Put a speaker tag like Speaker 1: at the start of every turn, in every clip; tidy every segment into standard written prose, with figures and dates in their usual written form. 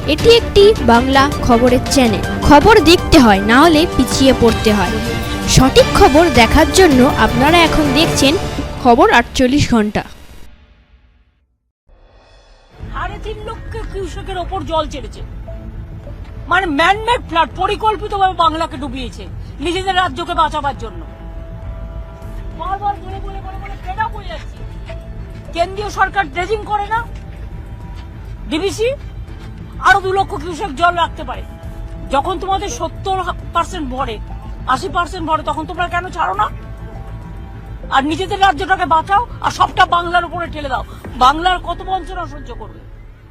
Speaker 1: এটি একটি বাংলা খবরের চ্যানেল। খবর দেখতে হয়, না হলে পিছিয়ে পড়তে হয়। সঠিক খবর দেখার জন্য আপনারা এখন দেখছেন খবর 48 ঘন্টা।
Speaker 2: 3.5 লক্ষ কিউসেকের ওপর জল ছেড়েছে, মানে ম্যানমেড ফ্লাড, পরিকল্পিতভাবে বাংলাকে ডুবিয়েছে নিজেদের রাজ্যকে বাঁচাবার জন্য। বারবার বলে বলে বলে বলে ফেড আপ হয়ে যাচ্ছে। কেন্দ্রীয় সরকার ড্রেজিং করে না, ডিবিসি আরো 2 লক্ষ কিউসেক জল রাখতে পারে। যখন তোমাদের 70% ভরে, 80% ভরে, তখন তোমরা কেন ছাড়ো না? আর নিজেদের রাজ্যটাকে বাঁচাও, আর সবটা বাংলার উপরে ঠেলে দাও। বাংলার কত বঞ্চনা সহ্য করবে?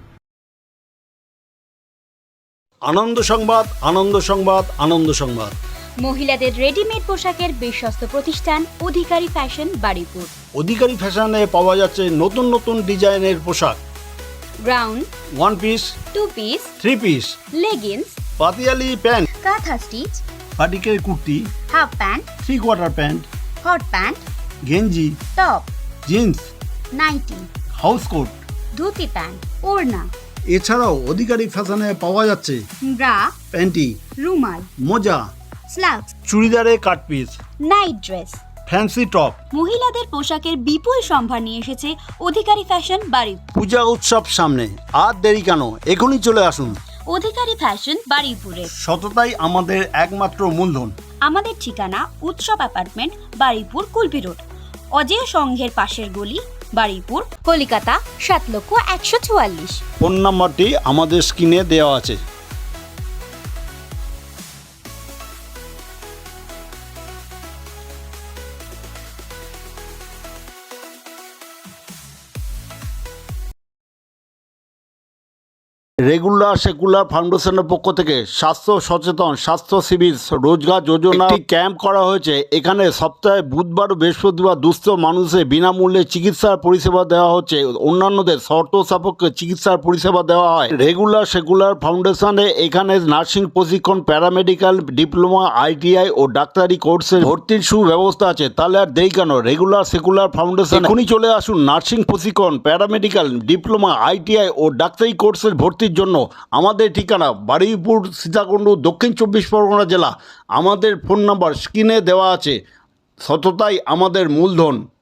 Speaker 3: আনন্দ সংবাদ, আনন্দ সংবাদ, আনন্দ সংবাদ।
Speaker 4: মহিলাদের রেডিমেড পোশাকের বিশ্বস্ত প্রতিষ্ঠান অধিকারী ফ্যাশন বারুইপুর।
Speaker 3: অধিকারী ফ্যাশনে পাওয়া যাচ্ছে নতুন নতুন ডিজাইনের পোশাক,
Speaker 4: ground,
Speaker 3: 1 piece,
Speaker 4: 2 piece,
Speaker 3: 3 piece,
Speaker 4: leggings,
Speaker 3: Patiala pant,
Speaker 4: kantha stitch,
Speaker 3: পাটিকের kurti,
Speaker 4: half pant,
Speaker 3: 3/4 pant,
Speaker 4: hot pant,
Speaker 3: গেঞ্জি,
Speaker 4: top,
Speaker 3: jeans,
Speaker 4: nightie,
Speaker 3: house coat,
Speaker 4: dhoti pant, ওড়না,
Speaker 3: এছাড়াও অধিকারী ফ্যাশনে পাওয়া যাচ্ছে
Speaker 4: ব্রা,
Speaker 3: প্যান্টি,
Speaker 4: রুমাল,
Speaker 3: মোজা,
Speaker 4: স্লাক্স,
Speaker 3: চুড়িদারে cut piece,
Speaker 4: night dress,
Speaker 3: fancy top.
Speaker 4: মহিলাদের পোশাকের বিপুল সম্ভার নিয়ে এসেছে অধিকারী ফ্যাশন বারুইপুর।
Speaker 3: পূজা উৎসব সামনে, আর দেরি কেন, এখনই চলে আসুন।
Speaker 4: অধিকারী ফ্যাশন বারুইপুরে।
Speaker 3: সততাই আমাদের একমাত্র মূলধন।
Speaker 4: আমাদের ঠিকানা উৎসব অ্যাপার্টমেন্ট, বারুইপুর, কুলপি রোড, অজেয় সংঘের পাশের গলি, বারুইপুর, কলকাতা 7,144,000।
Speaker 3: ফোন নাম্বারটি আমাদের স্ক্রিনে দেওয়া আছে। রেগুলার সেকুলার ফাউন্ডেশনের পক্ষ থেকে স্বাস্থ্য সচেতন স্বাস্থ্য শিবির রোজগার যোজনা একটি ক্যাম্প করা হয়েছে। এখানে সপ্তাহে বুধবার ও বৃহস্পতিবার দুস্থ মানুষের বিনামূল্যে চিকিৎসার পরিষেবা দেওয়া হচ্ছে। অন্যান্যদের শর্ত সাপেক্ষে চিকিৎসার পরিষেবা দেওয়া হয়। রেগুলার সেকুলার ফাউন্ডেশনে এখানে নার্সিং প্রশিক্ষণ, প্যারামেডিক্যাল ডিপ্লোমা, ITI ও ডাক্তারি কোর্সের ভর্তির সুব্যবস্থা আছে। তাহলে আর দেরি কেন, রেগুলার সেকুলার ফাউন্ডেশন এখনই চলে আসুন। নার্সিং প্রশিক্ষণ, প্যারামেডিক্যাল ডিপ্লোমা, ITI ও ডাক্তারি কোর্সের ভর্তির জন্য। আমাদের ঠিকানা বারুইপুর, সীতাকুণ্ড, দক্ষিণ 24 পরগনা জেলা। আমাদের ফোন নাম্বার স্ক্রিনে দেওয়া আছে। সততাই আমাদের মূলধন।